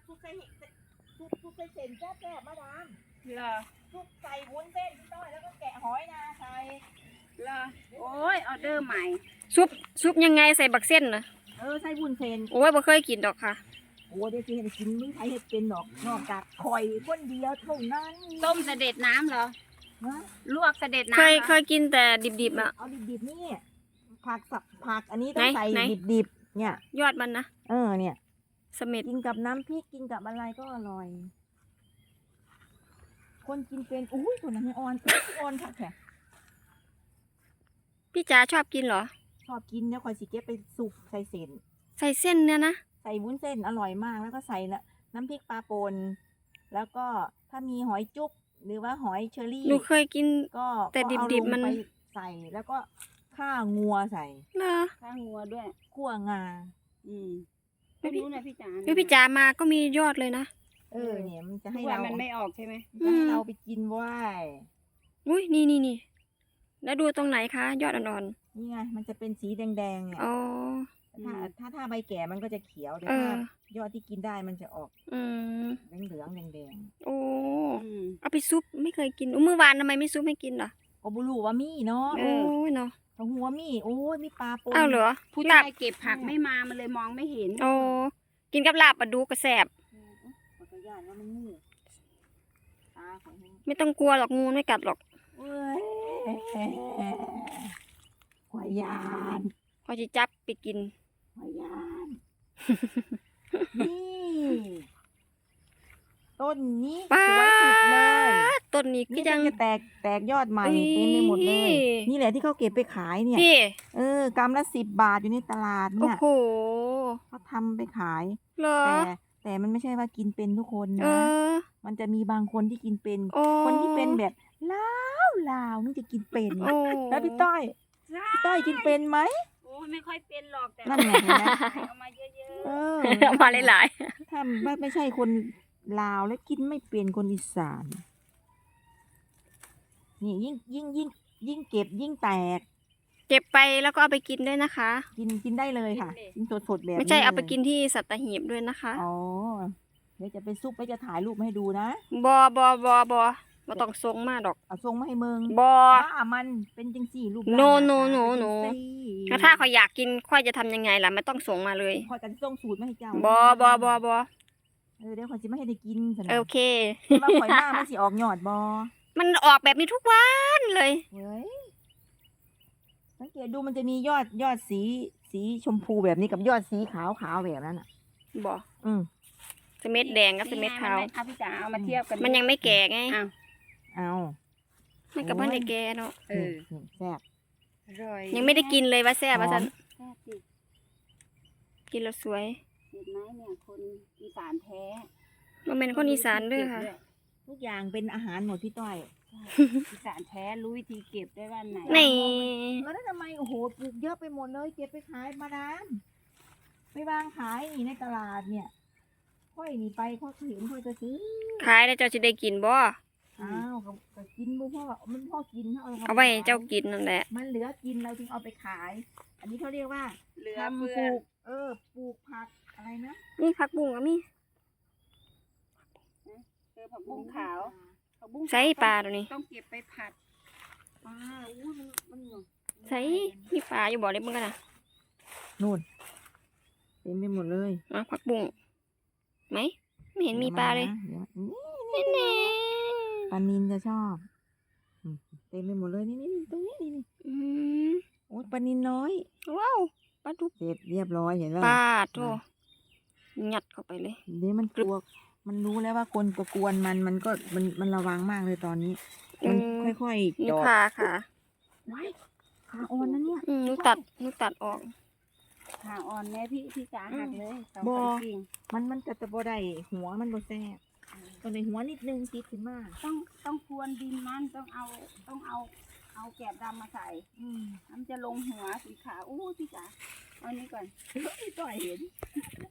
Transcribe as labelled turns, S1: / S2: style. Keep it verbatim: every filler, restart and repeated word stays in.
S1: ซุปใส่ซุปซุปใส่เส้นแซ่บๆมาดาม
S2: เหรอ
S1: ซุปใส่วุ้นเส้นพี่ต้อยแล้วก็แกะหอยนาใส่
S2: เหรอโอ้ยออเดอร์ใหม่
S3: ซุปซุปยังไงใส่บักเส้นนะ
S1: เออใส่วุ้นเส้น
S3: โอ้ยบ่เคยกินดอกค่ะ
S1: โอ้เดี๋ยวสิให้กินมึงใครเห็ดเป็นดอกนอกจากข่อยคนเดียวเท่านั้น
S2: ต้มเสด็จน้ำเหรอ
S1: ฮะ
S2: ลวกเสด็จน้ำ
S3: เคย
S2: หรอ
S3: เคยกินแต่ดิบๆอ่ะ
S1: เอาดิบๆนี่ผักสับผักอันนี้ต้อง
S3: ไหน
S1: ใส่
S3: ไหน
S1: ดิบๆเนี่ย
S3: ยอดมันนะ
S1: เออเนี่ย
S3: เสม็ด
S1: กินกับน้ำพริกกินกับอะไรก็อร่อย คนกินเป็นอุ้ยคนนั้นออนออนค่ะแขก
S3: พี่จ๋าชอบกินเหรอ
S1: ชอบกินแล้วคอยสิเก็บไปสุกใส่เส้น
S3: ใส่เส้นเนี่ยนะ
S1: ใส่วุ้นเส้นอร่อยมากแล้วก็ใส่ละน้ำพริกปลาปนแล้วก็ถ้ามีหอยจุ๊บหรือว่าหอยเชอรี่
S3: หนูเคยกิน
S1: ก็
S3: แต่
S1: ก็เอา
S3: ดิบๆ
S1: ลง
S3: มัน
S1: ไปใส่แล้วก็ข่างัวใส่
S3: เหรอ
S2: ข้างงัวด้วย
S1: ขั่วงา
S2: อืมไม่รู้นะพี่จ๋า
S3: เฮ้ยพี่จ๋ามาก็มียอดเลยนะ
S1: เออเนี่ยมันจะ
S2: ทุ
S1: ให้
S2: กวัน
S1: เรา
S2: มันไม่ออกใช่ไหม
S1: จะให้เราไปกินว่าย
S3: อุ้ยนี่นี่นี่แล้วดูตรงไหนคะ ยอดอ่อน
S1: นี่ไงมันจะเป็นสีแดงๆเนี่ย
S3: ๆอ๋อ
S1: ถ้าถ้าถ้าใบแก่มันก็จะเขียวแต่
S3: เออ
S1: ถ้ายอดที่กินได้มันจะออก
S3: อืม
S1: เหลืองๆแดง
S3: โอ้
S2: อืม
S3: เอาไปซุปไม่เคยกินอุ้ยเมื่อวานทำไมไม่ซุปให้กินล่ะ
S1: ๆก็บุรูว่ามีเนาะ
S3: โอ้ยเนาะ
S1: ถ้าหัวมีโอ้ยมีปลาปน
S3: อ้าวเหรอ
S2: ผู้
S3: ลา
S2: ชา
S3: บ
S2: ยเก็บผักไม่มามันเลยมองไม่เห็น
S3: โอ้กินกับลาบปลาดูกระแสบ
S1: ขออนุญาตว่ามันงูตาของมัน
S3: ไม่ต้องกลัวหรอกงูไม่กัดหรอก
S1: เว้ยหอยยาน
S3: พอจะจับไปกิน
S1: หอยยานนี่ต้นนี้ส
S3: ป้า
S1: วยสุดเลย
S3: ต้นนี้ก็
S1: นี่
S3: ยัง
S1: จะแตกแตกยอดใหม่
S3: อุ๊ย
S1: เต็มไปหมดเลย นี่แหละที่เขาเก็บไปขายเนี่ย
S3: พี่
S1: เออกำละสิบบาทอยู่ในตลาด
S3: โอ้
S1: เนี่ย
S3: โห
S1: เขาทำไปขาย
S3: เหรอ
S1: แต่แต่มันไม่ใช่ว่ากินเป็นทุกคน
S3: เอ
S1: นะ
S3: อ
S1: มันจะมีบางคนที่กินเป็น
S3: โอ้
S1: คนที่เป็นแบบลาวลาวนี่จะกินเป็น
S3: โอ้
S1: แล้วพี่ต้อยพี่ต้อยกินเป็นไหม
S2: โอ้ไม่ค่อยเป็นหรอกแต่
S1: นั่นไงเห็นไหม
S2: เอามาเยอะ
S1: เออ
S3: เอามาหลาย
S1: ถ้าไม่ไม่ใช่คนลาวแล้วกินไม่เป็นคนอีสานนี่ยิ่งยิ่งยิ่งยิ่งเก็บยิ่งแตก
S3: ๆเก็บไปแล้วก็เอาไปกินด้วยนะคะ
S1: กินกินได้เลยค่ะกินสดสดๆแบบนี้
S3: ไม่ใช่เอาไป
S1: ลย
S3: กินที่สัตหีบด้วยนะคะ
S1: อ๋อเดี๋ยวจะไปซุปไว้จะถ่ายรูปมาให้ดูนะ
S3: บอบอบอบอมาต้องทรงมากดอก
S1: เอาทรงมาให้เมือง
S3: บอ
S1: ว่ามันเป็นจังสี่รูป
S3: โน
S1: ร่าง
S3: โน
S1: หาตา
S3: โน
S1: เป็น
S3: โน
S1: จังสี่
S3: แล้วถ้าเขาอยากกินค่อยจะทำยังไงล่ะไม่ต้องส่งมาเลย
S1: คอยกันส่งสูตรมาให้เจ้า
S3: บอบอบอบอ
S1: เออเดี๋ยวคอยจะไม่ให้ได้กินสนะ
S3: โอเค
S1: แต่ว่าข่อยหน้ามันสิออกหยอดบอ
S3: มันออกแบบนี้ทุกวันเลย
S1: เฮ้ยสังเกตดูมันจะมียอดยอดสีสีชมพูแบบนี้กับยอดสีขาวขาวแบบนั้นอ่ะ
S3: บอ
S1: อืม
S3: สเม็ดแดงกับสเม็ดขาว
S2: เอาพี่จ๋าเอามาเทียบกัน
S3: มันยังไม่แก่ไง
S2: อ้าว
S1: เอา
S3: มันกับมันได้แก่เนาะ
S2: เออ
S1: นี่แซ่บ
S2: อร่อย
S3: ยังไม่ได้กินเลยว่าแซ่บว่าสัน
S2: แซ่บสิ
S3: กินแล้วสวย
S2: เห็นไหมเนี่ยคนอีสานแท้
S3: มันเป็นคนอีสานด้วยค่ะ
S1: ทุกอย่างเป็นอาหารหมดพี่ต้อย
S2: อีสานแท้รู้วิธีเก็บได้วันไหน
S3: นี่
S1: แล้วนั่นทำไมโอ้โหปลูกเยอะไปหมดเลยเก็บไปขายมาดามไปวางขายนี่ในตลาดเนี่ยค่อยนี่ไปค่อยเห็นค่อยจะซื้อ
S3: ขายแล้วเจ้าจะได้กินบ่
S1: อ้าวก็ก็กินบ่พ่อมันพ่อกิน
S3: เอาไว้ให้เจ้ากินนั่นแหละ
S1: มันเหลือกินเราจึงเอาไปขาย อันนี้เขาเรียกว่า
S2: เหลือ
S1: ทำ
S2: เฟื
S1: ป
S2: อ
S1: ลูก เออปลูกผักอะไรนะ
S3: นี่ผักบุ้งก็มี
S2: เจอผักบุ้งขาวผักบุ้งขว
S3: ใส่ปลาตัวนี้
S2: ต้องเก็บไปผัด
S1: ปลาอู้มันมันหน
S3: ใส่มีปลาอยู่บ่อเล็บมึงกันนะ
S1: นู่นเต็มไปหมดเลย
S3: อ่ะผักบุ้งไหมไม่เห็นมีปลาเลย
S1: ดี๋วนี่
S3: แน่
S1: ปลานินจะชอบอืมเต็มไปหมดเลยนี่นี่นี่ตรงนี้นี่นี่
S3: ๆอืม
S1: โอ้ยปลานินน้อย
S3: ว้าวปลาดุก
S1: เสร็จเรียบร้อยเห็นแล้ว
S3: ปลาโถงัดเข้าไปเลย
S1: เดี๋ยวมันกลัวมันรู้แล้วว่าคนประกวนมันมันก็มันมันระวังมากเลยตอนนี้ มัน
S3: อืม
S1: ค่อยๆ
S3: นี่
S1: จอด
S3: ขาค่ะ
S1: ไว้ขาอ่อนนะเนี่ย
S3: อืมหนูตัดหนูตัดออก
S2: ขาอ่อนแม่พี่พี่จ๋าหักเลยสอง
S1: บ่
S2: สามกิ่ง
S1: มันมันจะจะบ่ได้หัวมันบ่แซ่บตรงในหัวนิดนึงติดขึ้นมา
S2: ต้องต้องพรวนดินมันต้องเอาต้องเอาเอาแกบดำมาใส่
S1: อืม
S2: มันจะลงหัวสีขาวอู้พี่จ๋าเอาอันนี้ก่อน
S1: พี่ต่อยเห็น